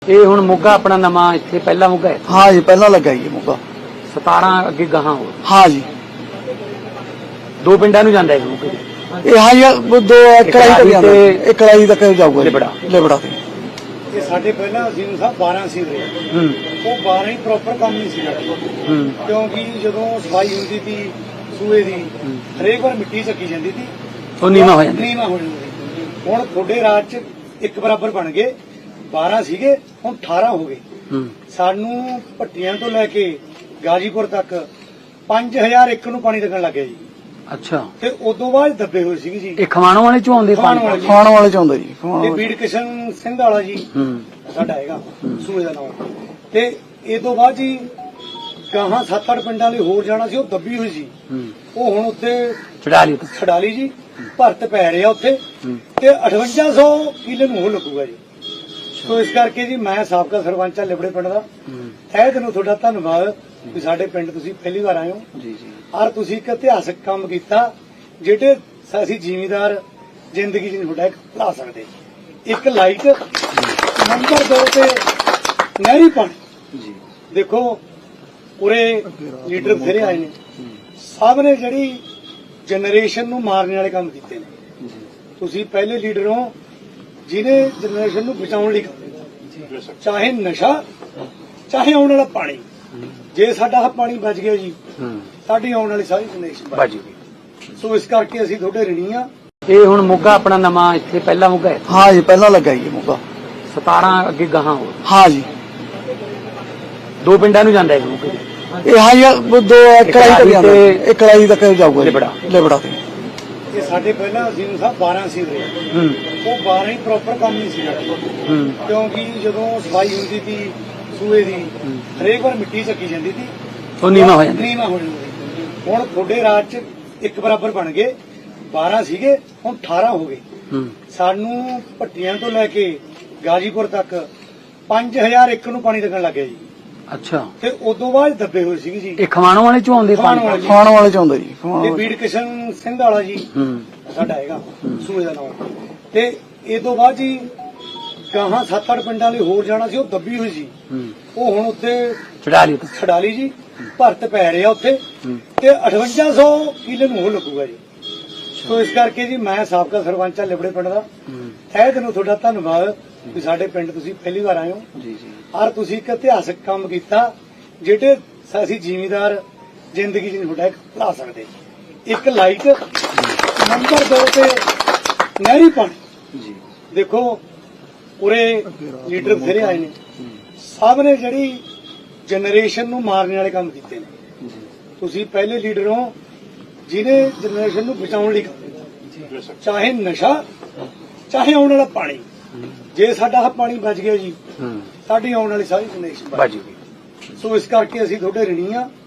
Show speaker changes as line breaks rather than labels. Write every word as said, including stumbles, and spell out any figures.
ਇਹ ਹੁਣ ਮੋਗਾ ਆਪਣਾ ਨਵਾਂ ਇੱਥੇ ਪਹਿਲਾ ਮੋਗਾ ਹੈ।
हाँ जी पहला लगा जी मौका।
सतारा ਅੱਗੇ ਗਾਹਾਂ ਹੋ
हाँ जी
ਦੋ ਪਿੰਡਾਂ ਨੂੰ ਜਾਂਦਾ ਹੈ ਮੋਗੇ
ये हाँ जी वो दो कड़ाई तक जाता है, एक कड़ाई तक जाऊगा
लिबड़ा।
लिबड़ा से।
ਇਹ ਸਾਡੇ ਪਹਿਲਾਂ ਅਜ਼ੀਮ ਸਾਹਿਬ ਬਾਰਾਂ ਸੀ ਰਹੇ
ਹੂੰ
ਉਹ ਬਾਰਾਂ ਹੀ ਪ੍ਰੋਪਰ ਕੰਮ ਨਹੀਂ ਸੀ ਕਰਦੇ
ਹੂੰ
ਕਿਉਂਕਿ ਜਦੋਂ ਸਫਾਈ ਹੁੰਦੀ ਸੀ ਸੂਏ ਦੀ ਹਰੇਕ ਵਾਰ ਮਿੱਟੀ ਚੱਕੀ ਜਾਂਦੀ ਸੀ
ਉਹ ਨੀਵਾਂ ਹੋ ਜਾਂਦਾ
ਨੀਵਾਂ ਹੋ ਜਾਂਦਾ ਸੀ। ਹੁਣ ਤੁਹਾਡੇ ਰਾਜ ਚ ਇੱਕ ਬਰਾਬਰ ਬਣ ਗਏ ਬਾਰਾਂ ਸੀਗੇ ਹੁਣ ਅਠਾਰਾਂ ਹੋ ਗਏ।
ਹੂੰ
ਸਾਨੂੰ ਭੱਟੀਆਂ ਤੋਂ ਲੈ ਕੇ ਗਾਜੀਪੁਰ ਤੱਕ ਪੰਜ ਹਜ਼ਾਰ ਏਕੜ ਨੂੰ ਪਾਣੀ ਲੱਗਣ ਲੱਗ ਗਿਆ ਜੀ
ਅੱਛਾ
ਤੇ ਉਦੋਂ ਬਾਅਦ ਦੱਬੇ ਹੋਏ ਸੀਗੇ ਜੀ।
ਇਹ ਖਵਾਣੋਂ ਵਾਲੇ ਚੋਂ ਆਉਂਦੇ
ਖਮਾਣੋਂ
ਪਾਣੀ
ਵਾਲੇ।
खाण वाले चाहते जी खाण
ਤੇ
वाले।
ਬੀੜ ਕਿਸ਼ਨ ਸਿੰਘ ਵਾਲਾ ਜੀ
ਹੂੰ
ਸਾਡਾ ਹੈਗਾ ਸੂਏ ਦਾ ਨਾਮ ਤੇ ਇਹ ਤੋਂ ਬਾਅਦ ਜੀ ਗਾਹਾਂ ਸੱਤ ਅੱਠ ਪਿੰਡਾਂ ਲਈ ਹੋਰ ਜਾਣਾ ਸੀ ਉਹ ਦੱਬੀ ਹੋਈ ਸੀ
ਹੂੰ
ਉਹ ਹੁਣ ਉੱਥੇ
ਚੜਾ ਲਈ
ਛਡਾਲੀ ਜੀ ਭਰਤ ਪੈ ਰਿਹਾ ਉੱਥੇ
ਹੂੰ
ਤੇ ਅਠਵੰਜਾ ਸੌ ਕਿੱਲੇ ਨੂੰ ਉਹ ਲੱਗੂਗਾ ਜੀ। ਸੋ ਇਸ ਕਰਕੇ ਜੀ ਮੈਂ ਸਾਬਕਾ ਸਰਪੰਚ ਆ ਲਿਬੜੇ ਪਿੰਡ ਦਾ
ਹੂੰ
ਤਹਿ ਦਿਲੋਂ ਤੁਹਾਡਾ ਧੰਨਵਾਦ ਵੀ ਸਾਡੇ ਪਿੰਡ ਤੁਸੀਂ ਪਹਿਲੀ ਵਾਰ ਆਏ ਹੋ
ਜੀ ਜੀ
ਔਰ ਤੁਸੀਂ ਇੱਕ ਇਤਿਹਾਸਕ ਕੰਮ ਕੀਤਾ ਜਿਹੜੇ ਅਸੀਂ ਜ਼ਿਮੀਦਾਰ ਜ਼ਿੰਦਗੀ 'ਚ ਨਹੀਂ ਤੁਹਾਡਾ ਇੱਕ ਭੁਲਾ ਸਕਦੇ। ਇੱਕ ਲਾਈਟ ਨੰਬਰ ਦੋ ਤੇ ਨਹਿਰੀ ਪਾਣੀ
ਜੀ
ਦੇਖੋ ਉਰੇ ਲੀਡਰ ਬਥੇਰੇ ਆਏ ਨੇ ਸਭ ਨੇ ਜਿਹੜੀ ਜਨਰੇਸ਼ਨ ਨੂੰ ਮਾਰਨ ਵਾਲੇ ਕੰਮ ਕੀਤੇ ਨੇ। ਤੁਸੀਂ ਪਹਿਲੇ ਲੀਡਰ ਹੋ ਜਿਹਨੇ ਜਨਰੇਸ਼ਨ ਨੂੰ ਬਚਾਉਣ ਲਈ ਕੰਮ ਕੀਤਾ ਚਾਹੇ ਨਸ਼ਾ ਚਾਹੇ ਆਉਣ ਵਾਲਾ ਪਾਣੀ। ਜੇ ਸਾਡਾ ਆਹ ਪਾਣੀ ਬਚ ਗਿਆ ਜੀ
ਹੂੰ
ਸਾਡੀ ਆਉਣ ਵਾਲੀ ਸਾਰੀ ਜਨਰੇਸ਼ਨ ਬਚ
ਬਾਜੀ
ਗਈ। ਸੋ ਇਸ ਕਰਕੇ ਅਸੀਂ ਤੁਹਾਡੇ ਰਿਣੀ ਆ।
ਇਹ ਹੁਣ ਮੋਗਾ ਆਪਣਾ ਨਵਾਂ ਇੱਥੇ ਪਹਿਲਾ ਮੋਗਾ ਹੈ।
हाँ जी पहला लगा जी मौका।
ਸਤਾਰਾ ਅੱਗੇ ਗਾਹਾਂ ਹੋ
हाँ जी
ਦੋ ਪਿੰਡਾਂ ਨੂੰ ਜਾਂਦਾ ਹੈ ਮੋਗੇ
ये हाँ जी वो दो कड़ाई तक जाता है, एक कड़ाई तक जाऊगा
लिबड़ा।
लिबड़ा से।
ਇਹ ਸਾਡੇ ਪਹਿਲਾਂ ਅਜ਼ੀਮ ਸਾਹਿਬ ਬਾਰਾਂ ਸੀ ਰਹੇ
ਹੂੰ
ਉਹ ਬਾਰਾਂ ਹੀ ਪ੍ਰੋਪਰ ਕੰਮ ਨਹੀਂ ਸੀ ਕਰਦੇ
ਹੂੰ
ਕਿਉਂਕਿ ਜਦੋਂ ਸਫਾਈ ਹੁੰਦੀ ਸੀ ਸੂਏ ਦੀ ਹਰੇਕ ਵਾਰ ਮਿੱਟੀ ਚੱਕੀ ਜਾਂਦੀ ਸੀ
ਉਹ ਨੀਵਾਂ ਹੋ ਜਾਂਦਾ
ਨੀਵਾਂ ਹੋ ਜਾਂਦਾ ਸੀ। ਹੁਣ ਤੁਹਾਡੇ ਰਾਜ ਚ ਇੱਕ ਬਰਾਬਰ ਬਣ ਗਏ ਬਾਰਾਂ ਸੀਗੇ ਹੁਣ ਅਠਾਰਾਂ ਹੋ ਗਏ।
ਹੂੰ
ਸਾਨੂੰ ਭੱਟੀਆਂ ਤੋਂ ਲੈ ਕੇ ਗਾਜੀਪੁਰ ਤੱਕ ਪੰਜ ਹਜ਼ਾਰ ਏਕੜ ਨੂੰ ਪਾਣੀ ਲੱਗਣ ਲੱਗ ਗਿਆ ਜੀ
ਅੱਛਾ
ਤੇ ਉਦੋਂ ਬਾਅਦ ਦੱਬੇ ਹੋਏ ਸੀਗੇ ਜੀ।
ਇਹ ਖਵਾਣੋਂ ਵਾਲੇ ਚੋਂ ਆਉਂਦੇ
ਖਮਾਣੋਂ
ਪਾਣੀ
ਵਾਲੇ।
खाण वाले चाहते जी खाण
ਤੇ
वाले।
ਬੀੜ ਕਿਸ਼ਨ ਸਿੰਘ ਵਾਲਾ ਜੀ
ਹੂੰ
ਸਾਡਾ ਹੈਗਾ ਸੂਏ ਦਾ ਨਾਮ ਤੇ ਇਹ ਤੋਂ ਬਾਅਦ ਜੀ ਗਾਹਾਂ ਸੱਤ ਅੱਠ ਪਿੰਡਾਂ ਲਈ ਹੋਰ ਜਾਣਾ ਸੀ ਉਹ ਦੱਬੀ ਹੋਈ ਸੀ
ਹੂੰ
ਉਹ ਹੁਣ ਉੱਥੇ
ਚੜਾ ਲਈ
ਛਡਾਲੀ ਜੀ ਭਰਤ ਪੈ ਰਿਹਾ ਉੱਥੇ
ਹੂੰ
ਤੇ ਅਠਵੰਜਾ ਸੌ ਕਿੱਲੇ ਨੂੰ ਉਹ ਲੱਗੂਗਾ ਜੀ। ਸੋ ਇਸ ਕਰਕੇ ਜੀ ਮੈਂ ਸਾਬਕਾ ਸਰਪੰਚ ਆ ਲਿਬੜੇ ਪਿੰਡ ਦਾ
ਹੂੰ
ਤਹਿ ਦਿਲੋਂ ਤੁਹਾਡਾ ਧੰਨਵਾਦ ਵੀ ਸਾਡੇ ਪਿੰਡ ਤੁਸੀਂ ਪਹਿਲੀ ਵਾਰ ਆਏ ਹੋ
ਜੀ ਜੀ
ਔਰ ਤੁਸੀਂ ਇੱਕ ਇਤਿਹਾਸਕ ਕੰਮ ਕੀਤਾ ਜਿਹੜੇ ਅਸੀਂ ਜ਼ਿਮੀਦਾਰ ਜ਼ਿੰਦਗੀ 'ਚ ਨਹੀਂ ਤੁਹਾਡਾ ਇੱਕ ਭੁਲਾ ਸਕਦੇ। ਇੱਕ ਲਾਈਟ ਨੰਬਰ ਦੋ ਤੇ ਨਹਿਰੀ ਪਾਣੀ
ਜੀ
ਦੇਖੋ ਉਰੇ ਲੀਡਰ ਬਥੇਰੇ ਆਏ ਨੇ ਸਭ ਨੇ ਜਿਹੜੀ ਜਨਰੇਸ਼ਨ ਨੂੰ ਮਾਰਨ ਵਾਲੇ ਕੰਮ ਕੀਤੇ ਨੇ। ਤੁਸੀਂ ਪਹਿਲੇ ਲੀਡਰ ਹੋ ਜਿਹਨੇ ਜਨਰੇਸ਼ਨ ਨੂੰ ਬਚਾਉਣ ਲਈ ਕੰਮ ਕੀਤਾ ਚਾਹੇ ਨਸ਼ਾ ਚਾਹੇ ਆਉਣ ਵਾਲਾ ਪਾਣੀ। ਜੇ ਸਾਡਾ ਆਹ ਪਾਣੀ ਬਚ ਗਿਆ ਜੀ
ਹੂੰ
ਸਾਡੀ ਆਉਣ ਵਾਲੀ ਸਾਰੀ ਜਨਰੇਸ਼ਨ ਬਚ
ਬਾਜੀ
ਗਈ। ਸੋ ਇਸ ਕਰਕੇ ਅਸੀਂ ਤੁਹਾਡੇ ਰਿਣੀ ਆ।